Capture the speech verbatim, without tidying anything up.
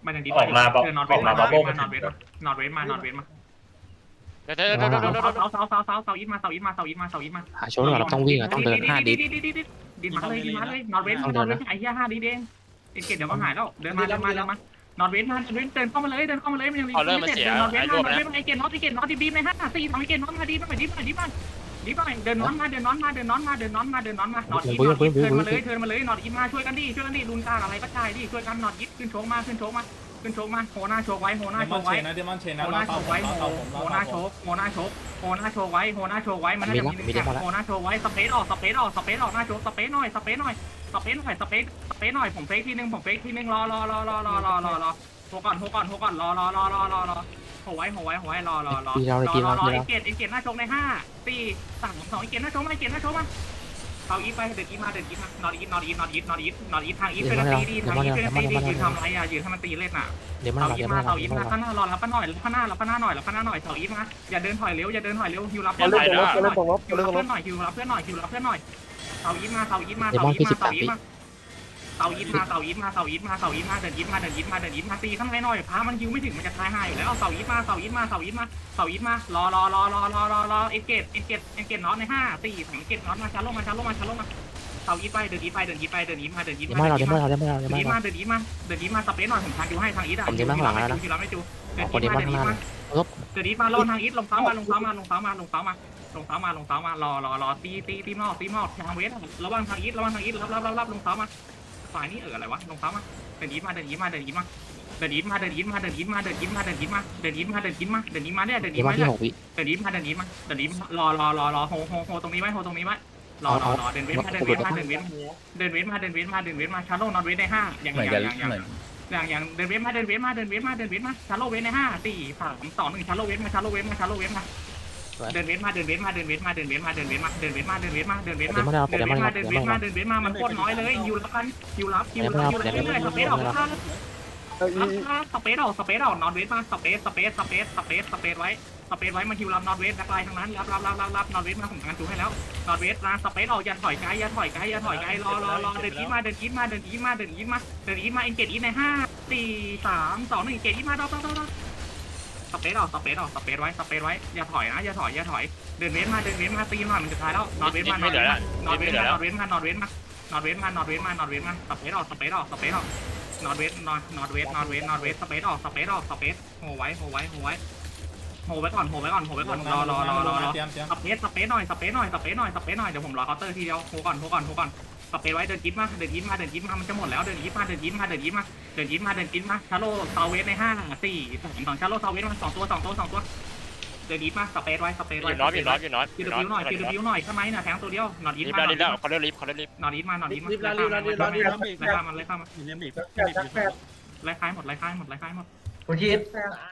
มันยังดีออกมาบอกเดินนอตเวอสอกมานมาอบัตบเวเบิ้สลมานอตเวสมานอตเวสมานอตเวสมาเดี๋ยวเดี๋ยวเดี๋ยวเดี๋ยวเดี๋ยวเสาเสาเสาเสาเสาอีทมาเสาอีทมาเสาอีทมาเสาอีทมาหาโชว์ก่อนเราต้องวิ่งอ่ะต้องเดินห้าดิสดินมาเลยดินมาเลยนอตเวสนอตเวสไอ้เหี้ยห้าดิเด้งเอ็นเกตเดี๋ยวก็หายแล้วเดินมาเดินมาเดินมานอตเวสมานอตเวสเดินเข้ามาเลยเดินเข้ามาเลยมันยังมีเดินนอตเวสมานอตเวสไอ้เกตนอตไอ้เกตนอตดีบีในห้าสี่สองไอ้เกตนอตมาดีมาดีมาดีมาดีมาเดินนอนมาเดินนอนมาเดินนอนมาเดินนอนมาเดินนอนมานอตอีทนอตอีทเทินมาเลยเทินมาเลยนอตอีทมาช่วยกันดิช่วยกันดิลุนกาอะไรก็ใช่ดิช่วยกันนอตอีทขึ้นโชกมาขึ้นโชกมาขึ้นโชกมาโหน้าโชกไว้โหน้าเดโชมอนกเชไว้นนะเดมอนเชนนะโหน้าโชกไว้โหเราผมโหเราน้าผโชมกโหน้าโชกโหน้าโชกไว้โหน้าโชกไว้มันน่าจะมีโหน้าโชกไว้สเปซออกสเปซออกสเปซออกหน้าโชกสเปซหน่อยสเปซหน่อยสเปซหน่อยสเปซสเปซหน่อยผมเฟกทีนึงผมเฟกทีนึงรอรอรอรอรอรอรอรอโหก่อนโหก่อนโหก่อนรอรอรอรอรอรอโหไว้โหไว้โหไว้รอรอรอรอรอรอเอเกตเอเกตหน้าโชกในห้าสี่สามสองเอเกตหน้าโชกมาเอเกตหน้าโชกมาเขาอีฟไปเดินอีฟมาเดินอีฟมานอนอีฟนอนอีฟนอนอีฟนอนอีฟนอนอีฟทางอีฟเป็นตีดีทางอีฟเป็นตีดียืนทำไรอ่ะยืนทำมันตีเล่นอ่ะเดี๋ยวมันเสาเราอีเดี๋ยวมามันเราเสาอีเดี๋ยวมัมาน ข้างหน้ารอรับป้าหน่อยรับป้าหน้ารับป้าหน้าหน่อยรับป้าหน้าหน่อยเสาอีมาอย่าเดินถอยเร็วอย่าเดินถอยเร็วฮิวรับเพื่อนหน่อยเล่นตรงรถเล่นตรงรถฮิวเล่นรับตรงรเพื่อถนหน่อยฮิวรับเพื่อนหน่อยฮิวรับเพื่อนหน่อยเสาอีมาเสาอีมาเสาอีมาเสาอีมาเสาอีมาเสาอีมาเสาอีมาเสาอีมาเดินอีมาเดินอีมาเดินอีมาตีข้างในหน่อยพามันฮิวไม่ถึงมันจะตายห่าอยู่แล้วเสาอีมาเสาอีมาเสาอีมาเสาอีมารอรอรอรอรอรอรอเอ็นเกตเอ็นเกตเอ็นเกตน็อตในห้าสี่เอ็นเกตน็อตมาชาร์ลมาชาร์ลมาชาร์ลมาเสาอีไปเดินอีไปเดินอีไปเดินอีมาเดินอีเดี๋ยวมามันเดิเรานเดี๋ยวอีมันเราเดี๋ยวมันเราเดี๋ยวเดิมันนอีเรามาเดินอีมาเดินอีมาสเปซหน่อยผมทางดูให้ทางอีทอ่ะผมเดี๋ยวมาข้างหลังแล้วนะคิวรับไม่จูคนเดี๋ยวมันข้างหน้าลบเดินอีมาลงทางอีทลงซ้ามาลงซ้ามาลงซ้ามาลงซ้ามาลงซ้ามาลงซ้ามารอรอรอตีตีตีมอตีมอทางเวสระวังทางอีทระวังทางอีทรับรับรับรับลงซ้ามาฝ่ายนี้เอออะไรวะลงซ้ามาเดินอีทมาเดินอีทมาเดินอีทมาเดินอีทมาเดินอีทมาเดินอีทมาเดินอีทมาเดินอีทมาเดินอีทมาเดินอีทมาเดินอีทมาเนี่ยเดินอีเดี๋ยวทมามาที่เนี่ยหกวิเดินอีทมาเดินอีทมาเดินอีทรอรอรอรอโฮโฮโฮตรงนี้ไว้โฮตรงนี้ไว้รอรอรอเดินเวสมาเดินเวสมาเดินเวสเดินเวสมาเดินเวสมาเดินเวสมาชาร์โลนอนเวสในห้าอย่างอย่างอย่างอย่างอย่างเดินเวสมาเดินเวสมาเดินเวสมาเดินเวสมาชาร์โลเวสในห้าสี่สามสองหนึ่งชาร์โลเวสมาชาร์โลเวสมาชาร์โลเวสมาเดินเวสมาเดินเวสมาเดินเวสมาเดินเวสมาเดินเวสมาเดินเวสมาเดินเวสมาเดินเวสมาเดินเวสมาเดินเวสมาเดินเวสมาเดินเวสมามันโคตรน้อยเลยยูรับกันยูรับยูรับยูรับเรื่อยๆสเปซออกข้างสเปซออกสเปซออกนอนเวสมาสเปซสเปซสเปซสเปซสเปซไว้สเปซไว้มันคิวรับนอนเวสนักไล่ทั้งนั้นรับรับรับรับรับนอนเวสมาผมกันจูให้แล้วนอนเวสนะสเปซออกอย่าถอยไกลอย่าถอยไกลอย่าถอยไกลรอรอรอเดินอีมาเดินอีมาเดินอีมาเดินอีมาเดินอีมาเอ็นเกตอีในห้าสี่สามสองหนึ่งเกตอีมาดอกดอกดอกสเปซออกสเปซออกสเปซไว้สเปซไว้อย่าถอยนะอย่าถอยอย่าถอยเดินเวสมาเดินเวสมาตีหน่อยมันจะตายแล้วนอนเวสมานอนเวสมานอนเวสมานอนเวสมานอนเวสมานอนเวสมานอนเวสมานอนเวสมาสเปซออกสเปซออกสเปซออกนอนเวสนอนนอนเวสนอนเวสนอนเวสสเปซออกสเปซออกสเปซโหไว้โหไว้โหไว้โหไว้ก่อนโหไว้ก่อนโหไว้ก่อนรอรอรอรอรอเตรียมเตรียมสเปซสเปซหน่อยสเปซหน่อยสเปซหน่อยสเปซหน่อยเดี๋ยวผมรอเคาน์เตอร์ทีเดียวโหก่อนโหก่อนโหก่อนสเปซไว้เดินยิ้มมาเดินยิ้มมาเดินยิ้มมามันจะหมดแล้วเดินยิ้มมาเดินยิ้มมาเดินยิ้มมาเดินยิ้มมาเดินยิ้มมาชาโลซาเวสในห้าสี่สองสองชาโลซาเวสมาสองตัวสองตัวสองตัวเดินยิ้มมาสเปซไว้สเปซอไว้ยู่น้อยอยู่น้อยอยู่น้อยคิวดิวหน่อยคิวดิวหน่อยข้างในน่ะแทงตัวเดียวนอนยิ้มรีบมาแล้วรีบแล้วเขาเรียกรีบเขาเรียกรีบนอนยิ้มมานอนยิ้มมารีบแล้วรีบแล้วรีบแล้วรีบแล้วไล่ข้ามมันไล่ข้ามมันแปดแปดไล่คล้ายหมดไล่คล้ายหมดไล่คล้ายหมดคุณคิด